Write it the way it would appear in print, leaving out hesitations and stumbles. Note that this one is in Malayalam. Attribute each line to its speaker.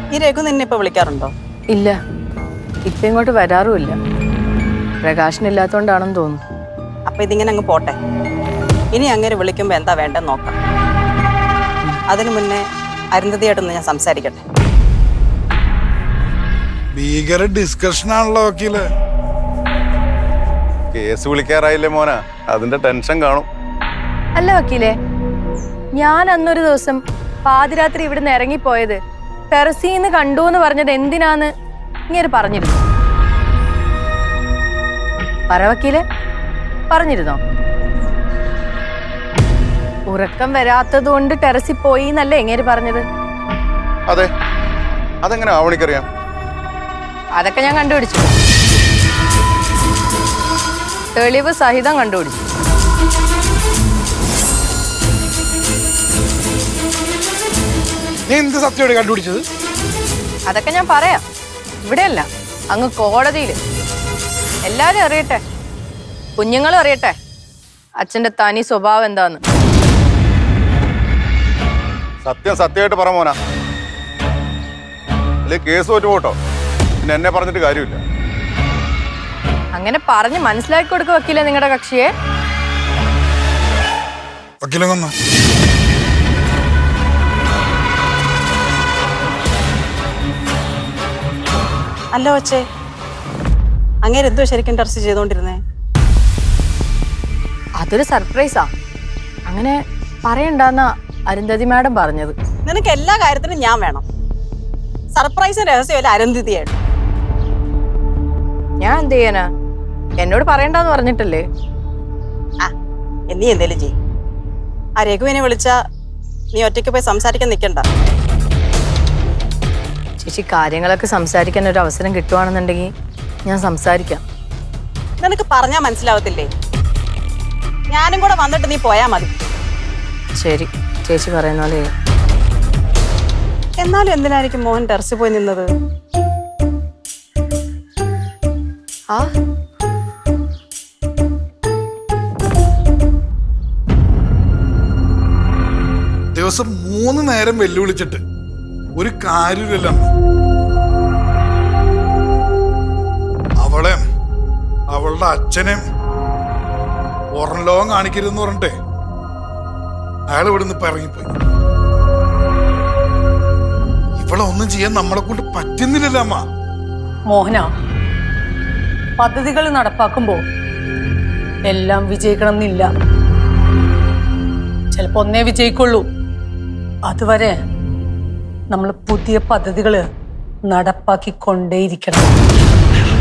Speaker 1: ഈ രഘു നിന്നെ ഇപ്പൊ വിളിക്കാറുണ്ടോ?
Speaker 2: ഇല്ല, ഇപ്പൊ ഇങ്ങോട്ട് വരാറുമില്ല. പ്രകാശനില്ലാത്തോണ്ടാണെന്ന് തോന്നുന്നു.
Speaker 1: അപ്പൊ ഇതിങ്ങനെ അങ്ങ് പോട്ടെ. ഇനി അങ്ങനെ വിളിക്കുമ്പോ എന്താ വേണ്ടെന്ന് നോക്കാം. അതിനു മുന്നേ അരുന്ധതിയായിട്ടൊന്ന് ഞാൻ സംസാരിക്കട്ടെ.
Speaker 3: ഭീകര ഡിസ്കഷൻ ആണല്ലോ വക്കീല്.
Speaker 4: കേസ് വിളിക്കാറായില്ലേ മോന, അതിന്റെ ടെൻഷൻ കാണും.
Speaker 2: അല്ല വക്കീലേ, ഞാൻ അന്നൊരു ദിവസം പാതിരാത്രി ഇവിടുന്ന് ഇറങ്ങിപ്പോയത് ടെറസീന്ന് കണ്ടു എന്ന് പറഞ്ഞത് എന്തിനാന്ന് ഇങ്ങനെ പറഞ്ഞിരുന്നു. പറ വക്കീലെ, പറഞ്ഞിരുന്നോ? ഉറക്കം വരാത്തത് കൊണ്ട് ടെറസിൽ പോയി എന്നല്ലേ എങ്ങനെ പറഞ്ഞത്?
Speaker 4: അതെ, അതെങ്ങനെ ആവണിക്കറിയാം?
Speaker 2: അതൊക്കെ ഞാൻ കണ്ടുപിടിച്ചു, തെളിവ് സഹിതം കണ്ടുപിടിച്ചു.
Speaker 3: നീ എന്ത് സത്യമാണ് കണ്ടുപിടിച്ചത്?
Speaker 2: അതൊക്കെ ഞാൻ പറയാം, ഇവിടെയല്ല, അങ്ങ് കോടതിയിൽ. എല്ലാരും അറിയട്ടെ, കുഞ്ഞുങ്ങളും അറിയട്ടെ അച്ഛന്റെ തനി സ്വഭാവം എന്താന്ന്.
Speaker 4: സത്യം സത്യമായിട്ട് പറ മോന, അല്ലെ കേസ് തോറ്റു പോട്ടോ. പിന്നെ എന്നെ പറഞ്ഞിട്ട് കാര്യമില്ല.
Speaker 2: അങ്ങനെ പറഞ്ഞ് മനസ്സിലാക്കി കൊടുക്കുക വക്കീലെ നിങ്ങളുടെ കക്ഷിയെ.
Speaker 3: വക്കീലൊന്ന്
Speaker 1: അല്ല വച്ചേ, അങ്ങനെ എന്തോ ശരിക്കും ടെറസ് ചെയ്തോണ്ടിരുന്നേ?
Speaker 2: അതൊരു സർപ്രൈസാ, അങ്ങനെ പറയണ്ടെന്നാ അരുന്ധതി മാഡം പറഞ്ഞത്.
Speaker 1: നിനക്ക് എല്ലാ കാര്യത്തിനും ഞാൻ വേണം. സർപ്രൈസും രഹസ്യമല്ല അരുന്ധതിയായിട്ട്.
Speaker 2: ഞാൻ എന്ത് ചെയ്യാനാ? എന്നോട് പറയണ്ടെന്ന് പറഞ്ഞിട്ടല്ലേ.
Speaker 1: ആ, നീ എന്തേലും ചെയ്യും. ആ രഘുവിനെ വിളിച്ചാ നീ ഒറ്റയ്ക്ക് പോയി സംസാരിക്കാൻ നിൽക്കണ്ട.
Speaker 2: ചേച്ചി, കാര്യങ്ങളൊക്കെ സംസാരിക്കാൻ ഒരു അവസരം കിട്ടുവാണെന്നുണ്ടെങ്കിൽ ഞാൻ സംസാരിക്കാം.
Speaker 1: നിനക്ക് പറഞ്ഞാ മനസ്സിലാവത്തില്ലേ? ഞാനും കൂടെ വന്നിട്ട് നീ പോയാ മതി.
Speaker 2: ശരി, ചേച്ചി പറയുന്ന പോലെ.
Speaker 1: എന്നാലും എന്തിനായിരിക്കും മോഹൻ ടെറസിൽ പോയി നിന്നത്?
Speaker 2: ആ,
Speaker 3: ദിവസം 3 നേരം വെല്ലുവിളിച്ചിട്ട് ഒരു കാര്യമില്ല. അവളെ അവളുടെ അച്ഛനെയും പുറം ലോകം കാണിക്കരുതെന്ന് പറഞ്ഞിട്ടേ അയാൾ ഇവിടുന്ന് ഇപ്പൊ ഇറങ്ങിപ്പോയി. ഇവളെ ഒന്നും ചെയ്യാൻ നമ്മളെ കൊണ്ട് പറ്റുന്നില്ലല്ലോ അമ്മ.
Speaker 5: മോഹന, പദ്ധതികൾ നടപ്പാക്കുമ്പോ എല്ലാം വിജയിക്കണം എന്നില്ല. ചിലപ്പോ ഒന്നേ വിജയിക്കുള്ളൂ. അതുവരെ നമ്മൾ പുതിയ പദ്ധതികൾ നടപ്പാക്കിക്കൊണ്ടേയിരിക്കണം.